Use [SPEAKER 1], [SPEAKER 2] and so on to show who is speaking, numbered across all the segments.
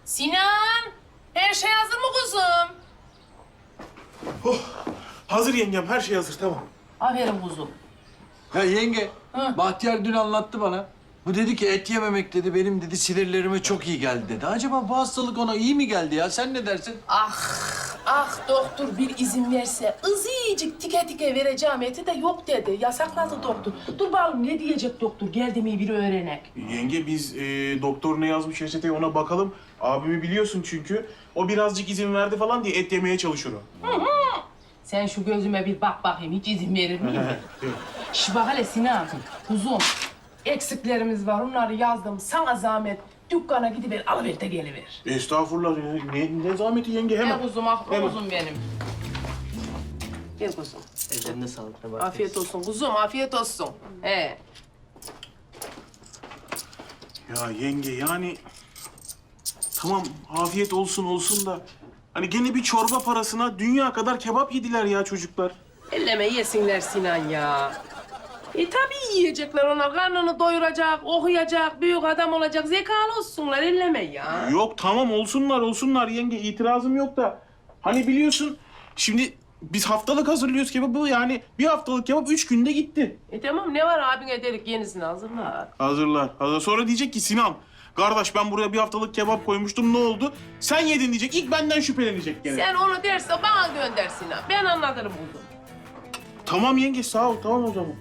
[SPEAKER 1] Sinan, her şey hazır mı kuzum?
[SPEAKER 2] Oh, hazır yengem, her şey hazır, tamam.
[SPEAKER 1] Aferin kuzum.
[SPEAKER 3] Ya yenge,
[SPEAKER 1] Hı.
[SPEAKER 3] Bahtiyar dün anlattı bana. Bu dedi ki et yememek dedi, benim dedi sinirlerime çok iyi geldi dedi. Acaba bu hastalık ona iyi mi geldi ya? Sen ne dersin?
[SPEAKER 1] Ah doktor bir izin verse ızıcık tike tike vereceğim eti de yok dedi. Yasakladı doktor. Dur bakalım ne diyecek doktor? Geldi mi bir öğrenek.
[SPEAKER 2] Yenge, biz doktor ne yazmış reçeteye ona bakalım. Abimi biliyorsun çünkü. O birazcık izin verdi falan diye et yemeye çalışır o.
[SPEAKER 1] Sen şu gözüme bir bak bakayım hiç izin verir miyim?
[SPEAKER 2] Yok.
[SPEAKER 1] Şş bak hele Sinan, kuzum. Eksiklerimiz var onları yazdım. Sana zahmet dükkana gidiver alıver de geliver.
[SPEAKER 2] Estağfurullah ya. Ne zahmeti yenge, hemen.
[SPEAKER 1] Gel kuzum, ah
[SPEAKER 2] Hemen.
[SPEAKER 1] kuzum benim. Gel kuzum.
[SPEAKER 4] Ellerine sağlık. Ne var?
[SPEAKER 1] Afiyet olsun kuzum, afiyet olsun. He.
[SPEAKER 2] Ya yenge yani... Tamam, afiyet olsun da... Hani gene bir çorba parasına dünya kadar kebap yediler ya çocuklar.
[SPEAKER 1] Elleme yesinler Sinan ya. Tabii yiyecekler ona. Karnını doyuracak, okuyacak, büyük adam olacak. Zekalı olsunlar, elleme ya.
[SPEAKER 2] Yok tamam, olsunlar yenge, itirazım yok da... Hani biliyorsun, şimdi biz haftalık hazırlıyoruz kebabı, yani bir haftalık kebap 3 günde gitti.
[SPEAKER 1] Tamam ne var abine dedik yenisini hazırlar.
[SPEAKER 2] Hazır. Sonra diyecek ki Sinan, kardeş ben buraya bir haftalık kebap koymuştum, ne oldu? Sen yedin diyecek, ilk benden şüphelenecek gene.
[SPEAKER 1] Sen onu derse bana gönder Sinan. Ben anlatırım kuzum.
[SPEAKER 2] Tamam yenge, sağ ol, tamam o zaman.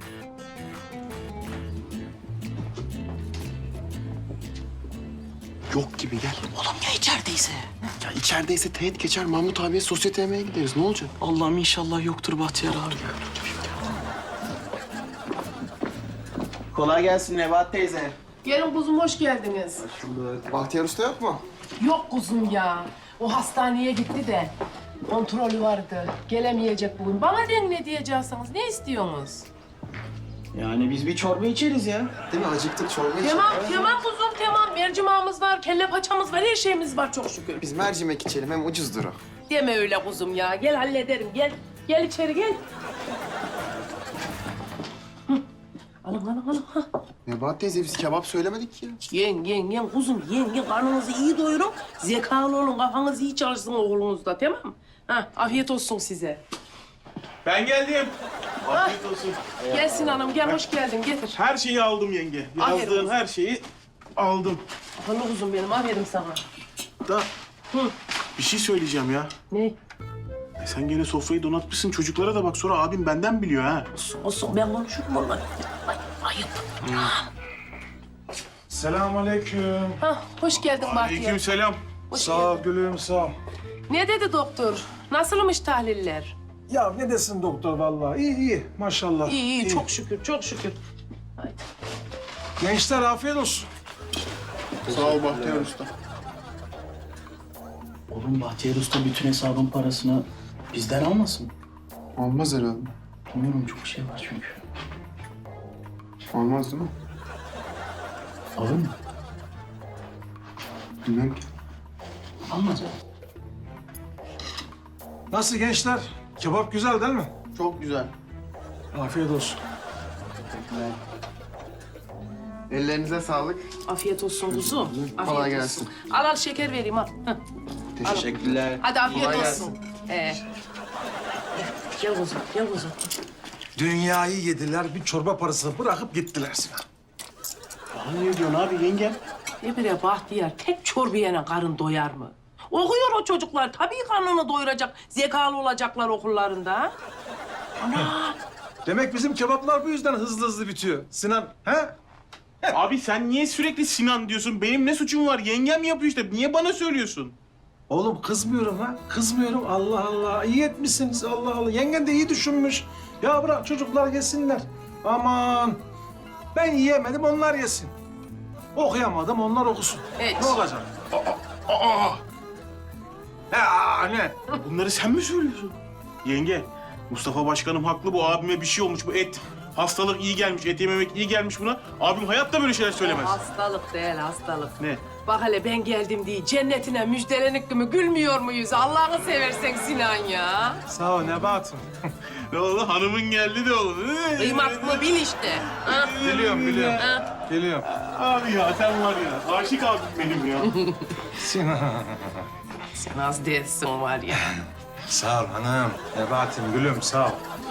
[SPEAKER 5] Yok gibi gel.
[SPEAKER 4] Oğlum ya içerideyse?
[SPEAKER 5] Ya içerideyse teğet geçer Mahmut abiye sosyete yemeğe gideriz. Ne olacak?
[SPEAKER 4] Allah'ım inşallah yoktur Bahtiyar abi.
[SPEAKER 6] Kolay gelsin Nebahat teyze.
[SPEAKER 1] Gelin kuzum hoş geldiniz.
[SPEAKER 5] Bahtiyar Usta yok mu?
[SPEAKER 1] Yok kuzum ya. O hastaneye gitti de kontrolü vardı. Gelemeyecek bugün. Bana den ne diyeceksiniz? Ne istiyorsunuz?
[SPEAKER 6] Yani biz bir çorba içeriz ya.
[SPEAKER 5] Değil mi? Acıktık çorba içelim.
[SPEAKER 1] Tamam kuzum tamam. Mercimağımız var, kelle paçamız var, her şeyimiz var çok şükür.
[SPEAKER 5] Biz mercimek içelim hem ucuzdur o.
[SPEAKER 1] Deme öyle kuzum ya. Gel hallederim. Gel. Gel içeri gel. Hı. Alın. Hah.
[SPEAKER 5] Nebahat teyze biz kebap söylemedik ki ya.
[SPEAKER 1] Yen kuzum yen. Karnınızı iyi doyurun. Zekalı olun. Kafanız iyi çalışsın oğlunuzda tamam mı? Ha, afiyet olsun size.
[SPEAKER 2] Ben geldim. Afiyet olsun.
[SPEAKER 1] Gel Sinan'ım gel hoş geldin getir.
[SPEAKER 2] Her şeyi aldım yenge.
[SPEAKER 1] Aferin
[SPEAKER 2] Yazdığın
[SPEAKER 1] olsun.
[SPEAKER 2] her şeyi aldım.
[SPEAKER 1] Akıllı kuzum benim aferin sana.
[SPEAKER 2] Da
[SPEAKER 1] Hı.
[SPEAKER 2] bir şey söyleyeceğim ya.
[SPEAKER 1] Ne?
[SPEAKER 2] Sen gene sofrayı donatmışsın, çocuklara da bak, sonra abim benden biliyor ha.
[SPEAKER 1] Olsun ben konuşurum onunla. Ay, ayıp.
[SPEAKER 7] Selamünaleyküm.
[SPEAKER 1] Ha, hoş geldin Bahtiyar.
[SPEAKER 2] Aleykümselam.
[SPEAKER 1] Hoş
[SPEAKER 7] Sağ ol gülüm, sağ ol.
[SPEAKER 1] Ne dedi doktor? Nasılmış tahliller?
[SPEAKER 7] Ya ne desin doktor vallahi? İyi, maşallah.
[SPEAKER 1] İyi çok şükür çok şükür.
[SPEAKER 7] Gençler afiyet olsun.
[SPEAKER 5] Sağ ol Bahtiyar Usta.
[SPEAKER 4] Oğlum Bahtiyar Usta bütün hesabın parasını bizden almasın?
[SPEAKER 5] Olmaz herhalde.
[SPEAKER 4] Bilmiyorum çok şey var çünkü.
[SPEAKER 5] Olmaz değil mi?
[SPEAKER 4] Alır mı?
[SPEAKER 5] Bilmem ki.
[SPEAKER 4] Almaz mı?
[SPEAKER 7] Nasıl gençler? Kebap güzel değil mi?
[SPEAKER 5] Çok güzel.
[SPEAKER 7] Afiyet olsun.
[SPEAKER 5] Ellerinize sağlık.
[SPEAKER 1] Afiyet olsun kuzum. Afiyet
[SPEAKER 5] Kolay
[SPEAKER 1] olsun.
[SPEAKER 5] gelsin.
[SPEAKER 1] Al şeker vereyim al. Heh.
[SPEAKER 5] Teşekkürler.
[SPEAKER 1] Hadi afiyet
[SPEAKER 5] Kolay
[SPEAKER 1] olsun. Gel kuzum gel kuzum.
[SPEAKER 7] Dünyayı yediler, bir çorba parasını bırakıp gittiler Sinan.
[SPEAKER 2] Bana ne diyorsun abi yengem?
[SPEAKER 1] Ne bire Bahtiyar tek çorbaya karın doyar mı? Okuyor o çocuklar. Tabii karnını doyuracak. Zekalı olacaklar okullarında. Ha? Ana!
[SPEAKER 7] Demek bizim kebaplar bu yüzden hızlı bitiyor. Sinan, he?
[SPEAKER 2] Abi sen niye sürekli Sinan diyorsun? Benim ne suçum var? Yengem yapıyor işte. Niye bana söylüyorsun?
[SPEAKER 7] Oğlum kızmıyorum ha, kızmıyorum. Allah Allah, iyi etmişsiniz Allah Allah. Yengen de iyi düşünmüş. Ya bırak çocuklar yesinler. Aman, ben yiyemedim, onlar yesin. Okuyamadım, onlar okusun.
[SPEAKER 1] Evet.
[SPEAKER 7] Ne olacak? Ya ne?
[SPEAKER 2] Bunları sen mi söylüyorsun? Yenge, Mustafa Başkanım haklı. Bu abime bir şey olmuş. Bu et, hastalık iyi gelmiş. Et yememek iyi gelmiş buna. Abim hayatta böyle şeyler söylemez.
[SPEAKER 1] Hastalık değil hastalık.
[SPEAKER 2] Ne?
[SPEAKER 1] Bak hele ben geldim diye cennetine müjdelenik mi gülmüyor muyuz? Allah'ını seversen Sinan ya.
[SPEAKER 7] Sağ ol Nebahat'ım.
[SPEAKER 2] Ne oldu? Hanımın geldi de oldu.
[SPEAKER 1] Kıymatını bil işte. Ha?
[SPEAKER 7] Biliyorum.
[SPEAKER 1] Ha?
[SPEAKER 7] Geliyorum.
[SPEAKER 2] Abi ya sen var ya. Aşık abim benim ya.
[SPEAKER 7] Sinan.
[SPEAKER 1] Sen az değilsin var ya.
[SPEAKER 7] Sağ ol hanım. Nebahat'im gülüm sağ ol.